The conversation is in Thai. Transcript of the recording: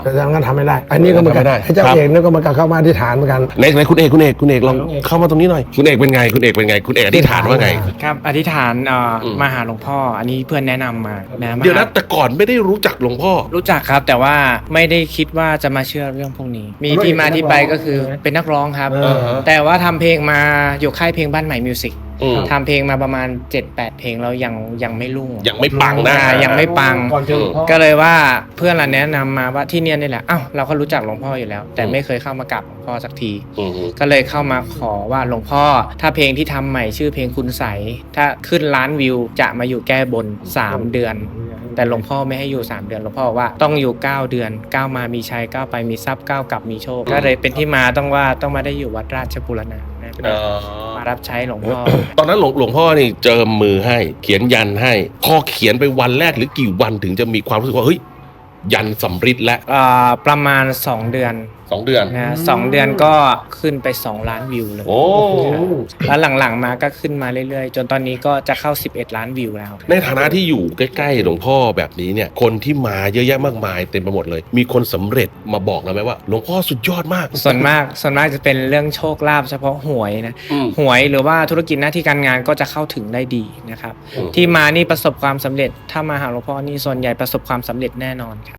แต่ทางนั้นทำไม่ได้อันนี้ก็เหมือนกันไอ้เจ้าเอกนี่ก็มาเข้ามาอธิษฐานเหมือนกันไหนคุณเอกลองเข้ามาตรงนี้หน่อยคุณเอกเป็นไงคุณเอกอธิษฐานว่าไงครับอธิษฐานมาหาหลวงพ่ออันนี้เพื่อนแนะนำมาเดี๋ยวนะแต่ก่อนไม่ได้รู้จักหลวงพ่อรู้จักครับแต่ว่าไม่ได้คิดว่าจะมาเชื่อเรื่องพวกนี้มีที่มาที่ไปก็คือเป็นนักร้องครับแต่ว่าทำเพลงมาอยู่ค่ายเพลงบ้านใหม่มิวสิกทำเพลงมาประมาณ 7-8 เพลงแล้วยังไม่รุ่งยังไม่ปังนะยังไม่ปังก็เลยว่าเพื่อนเราแนะนำมาว่าที่เนี่ยนี่แหละอ้าวเราก็รู้จักหลวงพ่ออยู่แล้วแต่ไม่เคยเข้ามากราบหลวงพ่อสักทีก็เลยเข้ามาขอว่าหลวงพ่อถ้าเพลงที่ทำใหม่ชื่อเพลงคุณใสถ้าขึ้นล้านวิวจะมาอยู่แก้บน3 เดือนแต่หลวงพ่อไม่ให้อยู่3 เดือนหลวงพ่อบอกว่าต้องอยู่9 เดือน9มามีชัย9ไปมีทรัพย์9กลับมีโชคก็เลยเป็นที่มาต้องมาได้อยู่วัดราชบูรณะมารับใช้หลวงพ่อตอนนั้นหลวงพ่อนี่เจิมมือให้เขียนยันให้พอเขียนไปวันแรกหรือกี่วันถึงจะมีความรู้สึกว่าเฮ้ยยันสำริดแล้วประมาณ2 เดือนนะ2 เดือนก็ขึ้นไป2 ล้านวิวเลยโอ้แล้วหลังๆมาก็ขึ้นมาเรื่อยๆจนตอนนี้ก็จะเข้า11 ล้านวิวแล้วในฐานะที่อยู่ใกล้ๆหลวงพ่อแบบนี้เนี่ยคนที่มาเยอะแยะมากมายเต็มไปหมดเลยมีคนสำเร็จมาบอกเราไหมว่าหลวงพ่อสุดยอดมากส่วนมากจะเป็นเรื่องโชคลาภเฉพาะหวยนะหวยหรือว่าธุรกิจหน้าที่การงานก็จะเข้าถึงได้ดีนะครับที่มานี่ประสบความสำเร็จถ้ามาหาหลวงพ่อนี่ส่วนใหญ่ประสบความสำเร็จแน่นอนครับ